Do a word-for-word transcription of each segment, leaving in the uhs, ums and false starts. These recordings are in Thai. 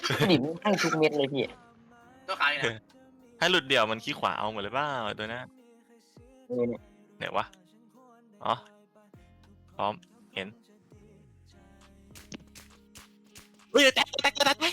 ดิบให้ทุกเม็ดเลยพี่ตัวขายนะให้หลุดเดี่ยวมันขี้ขวาเอาหมดเลยเปล่าตัวนั้นเออเนี่ยไหนวะอ๋อพร้อมเห็นเฮ้ยแตกแตกแตกแตก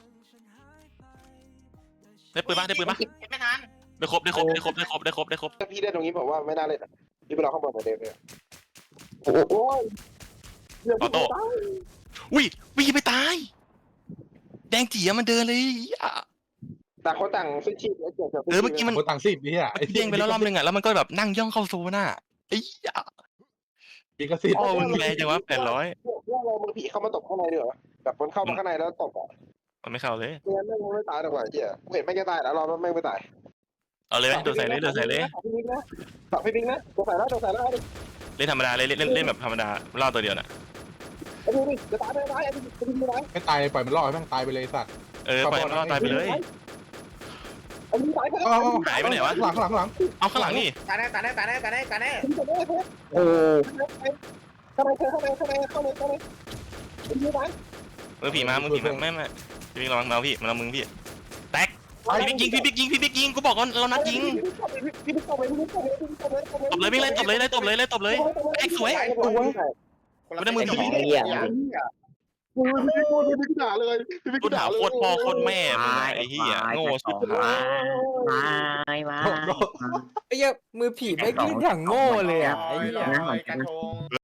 ได้ปืนปะได้ปืนปะเห็นไม่ทันได้ครบได้ครบได้ครบได้ครบได้ครบได้ครบถ้าพี่ได้ตรงนี้ผมว่าไม่น่าเล่นพี่ไปรอข้างบนเหมือนเดิมเลยโอ้โหออโต้อุ้ยวิ่งไปตาย แดงจี๋มันเดินเลยอ่ะต่างคนต่างซื้อชีพแล้วเกี่ยวกับเออเมื่อกี้มันโคต่างสิบพี่อ่ะเด้งไปแล้วรอบนึงอ่ะแล้วมันก็แบบนั่งย่องเข้าโซนอ่ะไอ้ยะพี่ก็สิบอ๋อมึงแรงจังวะแปดร้อยว่าเรามือผีเข้ามาตบข้างในดีกว่าแบบมันเข้ามาข้างในแล้วตบอ่ะมันไม่เข้าเลยไม่งั้นไม่ไม่ตายหรอกว่ะเจี๊ยเห็นไม่จะตายแล้วรอไม่ไม่ตายเอาเลยไหมโดนใส่เลยโดนใส่เลยพี่บิ๊กนะฝากพี่บิ๊กนะตัวใส่แล้วตัวใส่แล้วเล่นธรรมดาเลยเล่นเล่นเล่นแบบธรรมดาล่อตัวเดียวน่ะไอ้พี่บิ๊กจะตายไม่ตายไอ้พี่บิ๊กจะตายไม่ตายปล่อยมันรอดให้แม่งตายไปเลยสัตว์เออปล่อยมันล่อตายไปเลยไอ้พี่ตายไปหายไปไหนวะหลังหลังหลังเอาข้างหลังนี่ตายแน่ตายแน่ตายแน่ตายแน่ตายแน่โอ้ข้างในข้างในข้างในข้างในข้างในไอ้พี่ตายมือผีมามือผีมาไม่ไม่พี่บิ๊กระวังเราพี่มันเอามึงพี่แตกพี่บิ๊กยิงพี่บิ๊กยิงพี่บิ๊กยิงกูบอกก่อนเรานัดยิงพี่บิ๊กตบเลยพี่บิ๊กตบเลยพี่บิ๊กตบเลยตบเลยวิ่งเลยตบเลยเลยตบเลยเลยตบเลยแตกสวยคนละมือผีไอ้เหี้ยโอ้ยพี่พูดพี่บิ๊กด่าเลยพี่บิ๊กกูถาด่าม เลยโคตรพ่อโคตรแม่มึงไอ้เหี้ยโง่สุดมามามาไอ้เหี้ยมือผีไม่ขึ้นอย่างโง่เลยอ่ะไอ้เหี้ยกระทง